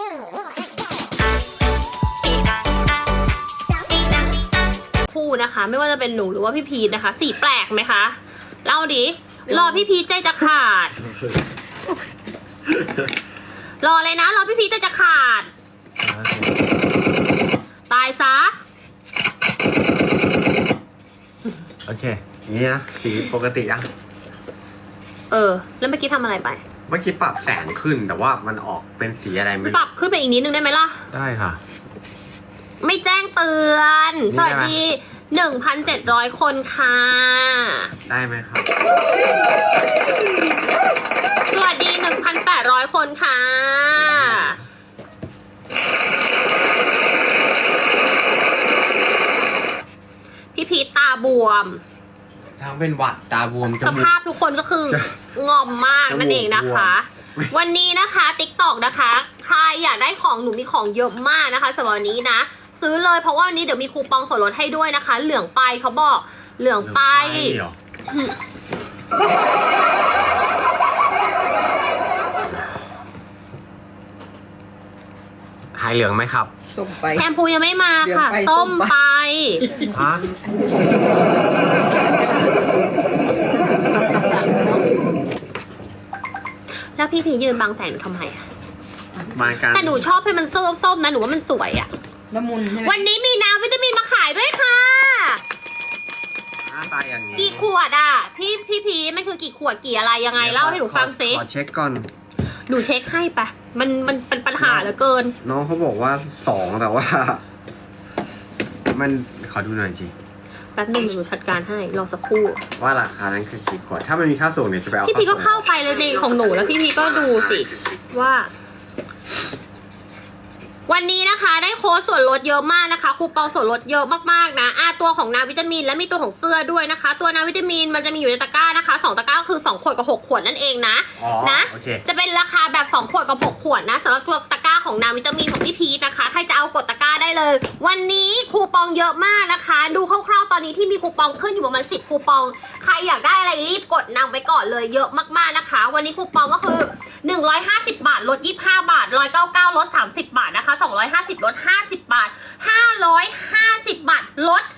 คู่นะคะไม่ว่าจะเป็นหนูหรือว่าพี่พีทนะคะสีแปลกไหมคะเล่าดิรอพี่พีทใจจะขาดรอเลยนะรอพี่พีทใจจะขาดตายซะโอเคนี่นะสีปกติอะแล้วเมื่อกี้ทำอะไรไปเมื่อกี้ปรับแสงขึ้นแต่ว่ามันออกเป็นสีอะไรไม่ปรับขึ้นไปอีกนิดนึงได้ไหมล่ะได้ค่ะไม่แจ้งเตือนสวัสดี 1,700 คนค่ะได้ไหมครับสวัสดี 1,800 คนค่ะพี่พีทตาบวมทั้งเป็นหวัดตาบวมสภาพทุกคนก็คืองอมมากนั่นเองนะคะวันนี้นะคะ TikTok นะคะใครอยากได้ของหนูมีของเยอะมากนะคะสำหรับวันนี้นะซื้อเลยเพราะว่าวันนี้เดี๋ยวมีคูปองส่วนลดให้ด้วยนะคะเหลืองไปเขาบอกเหลืองไปหายเหลืองไหมครับแชมพูยังไม่มาค่ะส้มไปฮะแล้วพี่ยืนบังแสงหนูทำไมอะแต่หนูชอบให้มันส้มๆนะหนูว่ามันสวยอะละมุนใช่ไหมวันนี้มีน้ำวิตามินมาขายด้วยค่ะหน้าตาอย่างนี้กี่ขวดอ่ะพี่พีมันคือกี่ขวดกี่อะไรยังไงเล่าให้หนูฟังซิขอเช็คก่อนหนูเช็คให้ปะมันเป็นปัญหาเหลือเกินน้องเขาบอกว่า2แต่ว่ามันขอดูหน่อยสิแป๊บนึงหนูจัดการให้รอสักครู่ว่าราคานั้นคือกี่ขวดถ้ามันมีค่าส่งเนี่ยจะไปเอาพี่พีก็เข้าไปเลยในของหนูแล้วพี่พีก็ดูสิว่าวันนี้นะคะได้โค้ดส่วนลดเยอะมากนะคะคูปองส่วนลดเยอะมากๆนะตัวของนาวิตามินและมีตัวของเสื้อด้วยนะคะตัวนาวิตามินมันจะมีอยู่ในตะกร้านะคะ2ตะกร้าคือ2ขวดกับ6ขวดนั่นเองนะจะเป็นราคาแบบ2ขวดกับ6ขวดนะสำหรับตัวตะกร้าของนาวิตามินของพี่พีทนะคะใครจะเอากดตะกร้าได้เลยวันนี้คูปองเยอะมากนะคะดูคร่าวๆตอนนี้ที่มีคูปองขึ้นอยู่ประมาณ10คูปองใครอยากได้อะไรรีบกดนำไว้ก่อนเลยเยอะมากๆนะคะวันนี้คูปองก็คือ150 บาทลด25 บาท199ลด30 บาทนะคะ250ลด50 บาท550 บาทลด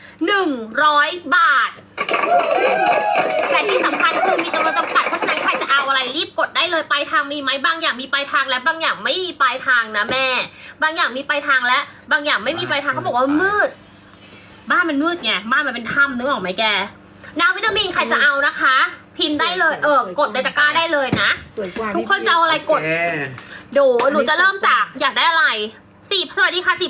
100 บาทแต่ที่สำคัญคือมีจำนวนจำกัดเพราะฉะนั้นใครจะเอาอะไรรีบกดได้เลยปลายทางมีไหมบางอย่างมีปลายทางและบางอย่างไม่มีปลายทางนะแม่บางอย่างมีปลายทางและบางอย่างไม่มีปลายทางเขาบอกว่ามืดบ้านมันมืดไงบ้านมันเป็นถ้ำนึกออกไหมแกน้ำวิตามินใครจะเอานะคะพิมพ์ได้เลยกดในตะกร้าได้เลยนะทุกคนจะเอาอะไรกดดูหนูจะเริ่มจากอยากได้อะไรสวัสดีค่ะ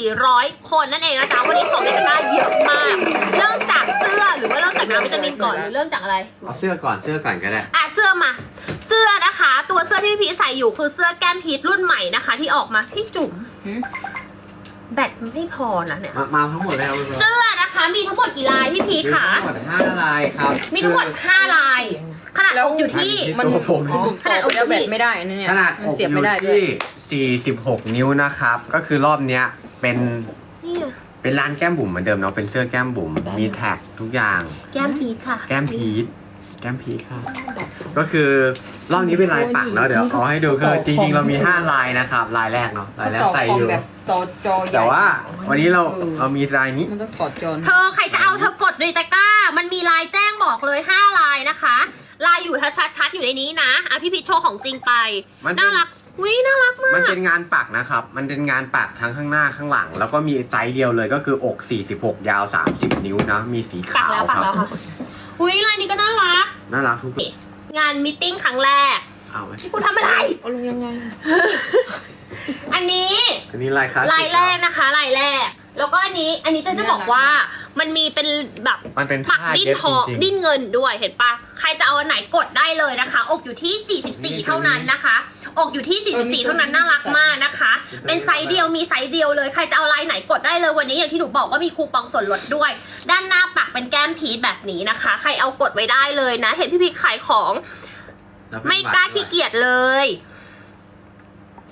4,400 คนนั่นเองนะจ๊ะวันนี้ของในตะกร้าเยอะมากเริ่มจากเสื้อหรือว่าเริ่มจากน้ำวิตามินก่อนหรือเริ่มจากอะไรเอาเสื้อก่อนก็ได้เสื้อมาเสื้อนะคะตัวเสื้อที่พี่พีใส่อยู่คือเสื้อแก้มพีทรุ่นใหม่นะคะที่ออกมาที่จุ๋มแบตไม่พอนะเนี่ยมาทั้งหมดแล้วเสื้อนะคะมีทั้งหมดกี่ลายพี่พีค่ะทั้งหมด5 ลายครับมีทั้งหมด5 ลายขนาดอกอยู่ที่ขนาดอกแบบไม่ได้นี่ขนาดอกอยู่ที่46 นิ้วนะครับก็คือรอบเนี้ยเป็นร้านแก้มบุ๋มเหมือนเดิมเนาะเป็นเสื้อแก้มบุ๋มมีแท็กทุกอย่างแก้มพีทค่ะแก้มพีทค่ะก็คือรอบนี้เป็นลายปักเนาะเดี๋ยวเอาให้ดูคือจริงๆเรามี5 ลายนะครับลายแรกเนาะลายแรกใส่อยู่แต่ว่าวันนี้เรามีลายนี้มันต้องถอดจอเธอใครจะเอาเธอกดในตะกร้ามันมีลายแจ้งบอกเลย5 ลายนะคะลายอยู่ชัดๆอยู่ในนี้นะพี่พีทโชว์ของจริงไปน่ารักน่ารักมากมันเป็นงานปักนะครับมันเป็นงานปักทั้งข้างหน้าข้างหลังแล้วก็มีไซส์เดียวเลยก็คืออก46ยาว30 นิ้วนะมีสีขาวครับลายนี้ก็น่ารักทุกงานมีตติ้งครั้งแรกเอาไหมกูทำอะไรเอาลงยังไงอันนี้ลายคลาสสิกลายแรกนะคะลายแรกแล้วก็อันนี้จะบอกว่ามันมีเป็นแบบมันเป็นปักดิ้นทองดิ้นเงินด้วยเห็นปะใครจะเอาอันไหนกดได้เลยนะคะอกอยู่ที่44เท่านั้นนะคะอกอยู่ที่44เท่านั้นน่ารักมากนะคะเป็นไซส์เดียวมีไซส์เดียวเลยใครจะเอาลายไหนกดได้เลยวันนี้อย่างที่หนูบอกว่ามีคูปองส่วนลดด้วยด้านหน้าปักเป็นแก้มพีทแบบนี้นะคะใครเอากดไว้ได้เลยนะเห็นพี่พีทขายของไม่กล้าขี้เกียจเลย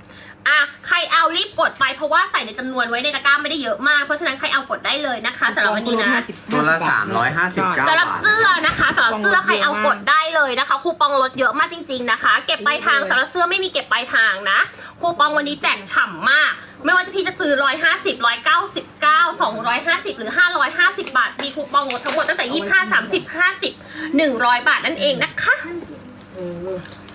ใครเอารีบกดไปเพราะว่าใส่ในจำนวนไว้ในตะกร้าไม่ได้เยอะมากเพราะฉะนั้นใครเอากดได้เลยนะคะสำหรับวันนี้นะตัวละ359 สำหรับบาทเสื้อนะคะสำหรับเสื้อใครเอากดได้เลยนะคะคูปองลดเยอะมากจริงๆนะคะ เก็บปลายทางสำหรับเสื้อไม่มีเก็บปลายทางนะคูปองวันนี้แจกฉ่ำมาก ไม่ว่าพี่จะซื้อ150 199 250หรือ550 บาทมีคูปองลดทั้งหมดตั้งแต่25 30 50 100 บาทนั่นเองนะคะ